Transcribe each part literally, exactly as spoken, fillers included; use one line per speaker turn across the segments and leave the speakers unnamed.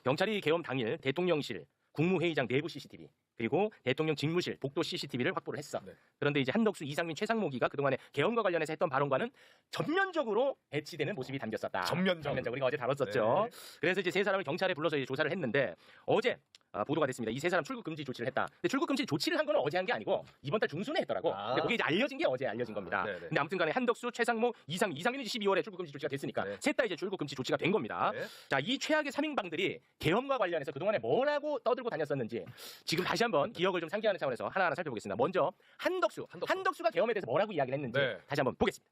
경찰이 계엄 당일 대통령실, 국무회의장 내부 씨씨티비 그리고 대통령 직무실, 복도 씨씨티비를 확보를 했어.
네.
그런데 이제 한덕수, 이상민, 최상목이가 그동안에 계엄과 관련해서 했던 발언과는 전면적으로 배치되는 모습이 담겼었다.
전면적으로.
전면적으로 우리가 어제 다뤘었죠.
네.
그래서 이제 세 사람을 경찰에 불러서 이제 조사를 했는데 어제 아, 보도가 됐습니다. 이 세 사람 출국 금지 조치를 했다. 근데 출국 금지 조치를 한 건 어제 한 게 아니고 이번 달 중순에 했더라고.
아.
근데 그게 이제 알려진 게 어제 알려진 겁니다.
네네.
근데 아무튼간에 한덕수, 최상목, 이상민, 이상민은 십이월에 출국 금지 조치가 됐으니까
네.
셋 다 이제 출국 금지 조치가 된 겁니다.
네.
자, 이 최악의 삼인방들이 계엄과 관련해서 그동안에 뭐라고 떠들고 다녔었는지 지금 다시 한번 기억을 좀 상기하는 차원에서 하나하나 살펴보겠습니다. 먼저 한덕수,
한덕수.
한덕수가 계엄에 대해서 뭐라고 이야기를 했는지
네.
다시 한번 보겠습니다.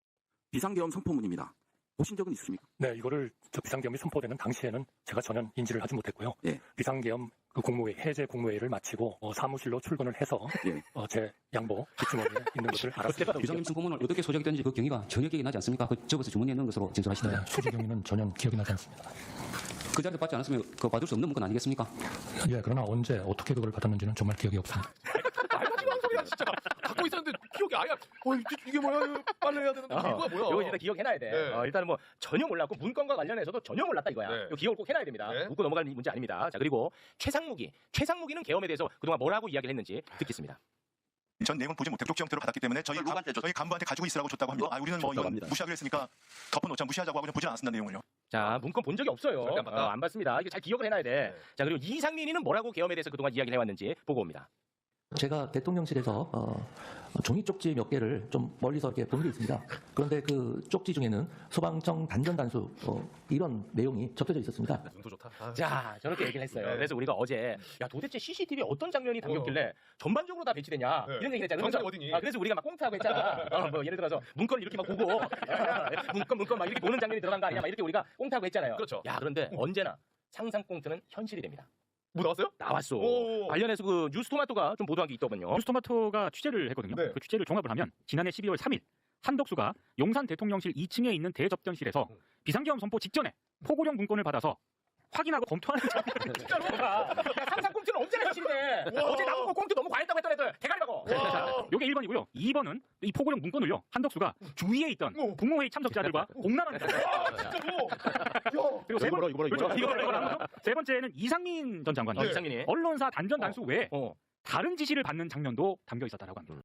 비상계엄 선포문입니다. 보신 적은 있으십니까?
네, 이거를 저 비상계엄이 선포되는 당시에는 제가 전혀 인지를 하지 못했고요.
예.
비상계엄 그 국무회의, 해제 국무회의를 마치고 어, 사무실로 출근을 해서
예.
어, 제 양복 뒷주머니에 있는 것을 알았습니다.
비상계엄 선포문을 어떻게 소작이 됐는지 그 경위가 전혀 기억이 나지 않습니까? 그 적어서 주머니에 넣은 것으로 진술하시던데.
네, 수지 경위는 전혀 기억이 나지 않습니다.
그 자리에 받지 않았으면 그거 받을 수 없는 문건 아니겠습니까?
예, 그러나 언제 어떻게 그걸 받았는지는 정말 기억이 없습니다.
말가지고 한 소리야 진짜. 갖고 있었는데 기억이 아예. 어 이게 뭐야? 빨리 해야 되는데 이거야 뭐야?
이거 일단 기억해놔야 돼.
네.
어, 일단은 뭐 전혀 몰랐고 문건과 관련해서도 전혀 몰랐다 이거야.
네.
이거 기억을 꼭 해놔야 됩니다.
네.
웃고 넘어갈 문제 아닙니다. 자, 그리고 최상무기, 최상무기는 계엄에 대해서 그동안 뭐라고 이야기를 했는지 듣겠습니다.
전 내용은 보지 못했고 쪽지 형태로 받았기 때문에 저희
누구한테
간, 저희 간부한테 가지고 있으라고 줬다고 합니다. 아, 우리는 뭐
줬다고
이건
합니다.
무시하기로 했으니까 덮어놓자 무시하자고 하고 그냥 보지 않았습니다 내용을요.
자, 문건 본 적이 없어요.
절대 안 봤다.
어, 안 봤습니다. 이거 잘 기억을 해놔야 돼.
네.
자, 그리고 이상민이는 뭐라고 계엄에 대해서 그동안 이야기를 해왔는지 보고 옵니다.
제가 대통령실에서 어, 종이 쪽지 몇 개를 좀 멀리서 이렇게 본 게 있습니다. 그런데 그 쪽지 중에는 소방청 단전 단수 어, 이런 내용이 적혀져 있었습니다.
눈도 좋다. 아,
자, 저렇게 얘기를 했어요.
네.
그래서 우리가 어제 야 도대체 씨씨티비에 어떤 장면이 담겼길래 전반적으로 다 배치되냐
네.
이런 얘기를 했잖아요.
정상이
그래서,
어디니?
아, 그래서 우리가 막 꽁트하고 했잖아. 어, 뭐 예를 들어서 문건을 이렇게 막 보고 문건 문건 막 이렇게 보는 장면이 들어간 거 아니냐 막 이렇게 우리가 꽁트하고 했잖아요.
그렇죠.
야, 그런데 언제나 상상 꽁트는 현실이 됩니다.
뭐 나왔어요?
나왔어.
오.
관련해서 그 뉴스토마토가 좀 보도한 게 있더군요.
뉴스토마토가 취재를 했거든요.
네.
그 취재를 종합을 하면 지난해 십이월 삼일 한덕수가 용산 대통령실 이 층에 있는 대접견실에서
음.
비상계엄 선포 직전에 포고령 문건을 받아서 확인하고 검토하는 장면을
진짜로. 야, 상상 꽁트는 언제나 현실이 돼. 어제 나보고 꽁트 너무 과했다고 했던 애들 대가리라고.
와.
요게 일 번이고요. 이 번은 이 포고령 문건을요. 한덕수가 주위에 있던
오.
국무회의 참석자들과 공람합니다.
진짜로. 야.
그리고 세 번,
이거 뭐라, 이거
그렇죠.
뭐라.
이거 이거 나오죠. 세 번째는 이상민 전 장관이
어, 이상민이.
언론사 단전 단수 외에
어.
다른 지시를 받는 장면도 담겨 있었다라고 합니다.